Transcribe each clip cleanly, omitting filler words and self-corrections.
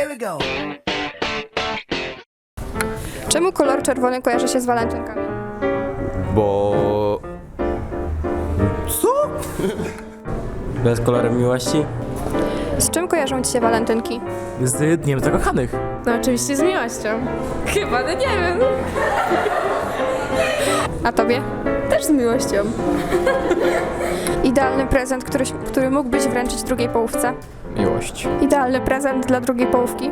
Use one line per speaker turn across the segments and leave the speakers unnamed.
Here we go.
Czemu kolor czerwony kojarzy się z walentynkami?
Bo...
Co?
Bez kolorem miłości?
Z czym kojarzą ci się walentynki?
Z Dniem Zakochanych.
No oczywiście z miłością. Chyba, no nie wiem.
A tobie?
Też z miłością.
Idealny prezent, który mógłbyś wręczyć drugiej połówce?
Miłość.
Idealny prezent dla drugiej połówki?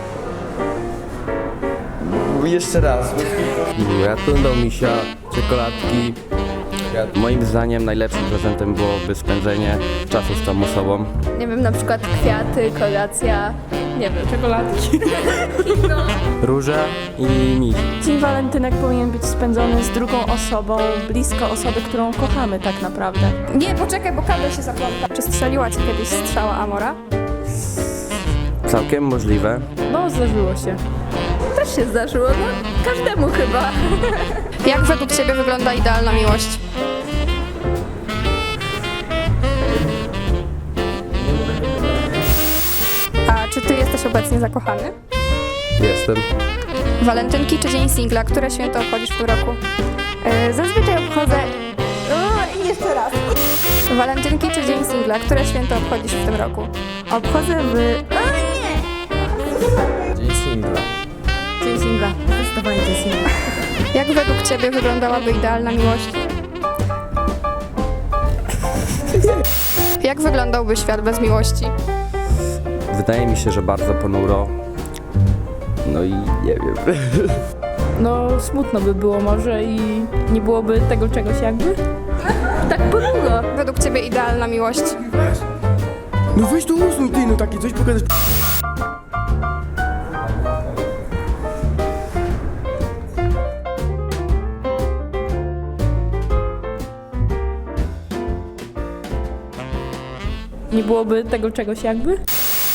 Jeszcze raz. Ja tu do misia, czekoladki. Moim zdaniem najlepszym prezentem byłoby spędzenie czasu z tą osobą.
Nie wiem, na przykład kwiaty, kolacja, nie wiem, czekoladki.
Róże i miś.
Dzień walentynek powinien być spędzony z drugą osobą, blisko osoby, którą kochamy tak naprawdę.
Nie, poczekaj, bo kabel się zapląta. Czy strzeliła ci kiedyś strzała Amora?
Całkiem możliwe.
No, zdarzyło się.
Też się zdarzyło, no każdemu chyba.
Jak według ciebie wygląda idealna miłość? A czy ty jesteś obecnie zakochany?
Jestem.
Walentynki czy Dzień Singla? Które święto obchodzisz w tym roku?
Zazwyczaj obchodzę... jeszcze raz.
Walentynki czy Dzień Singla? Które święto obchodzisz w tym roku?
Obchodzę w...
Dzień singla.
Dzień singla. Zdecydowanie dzień singla.
Jak według ciebie wyglądałaby idealna miłość? Jak wyglądałby świat bez miłości?
Wydaje mi się, że bardzo ponuro. No i nie wiem.
No, smutno by było może i nie byłoby tego czegoś jakby.
Tak ponuro.
Według ciebie idealna miłość?
No weź to usuń ty, no takie coś pokazać.
Nie byłoby tego czegoś jakby.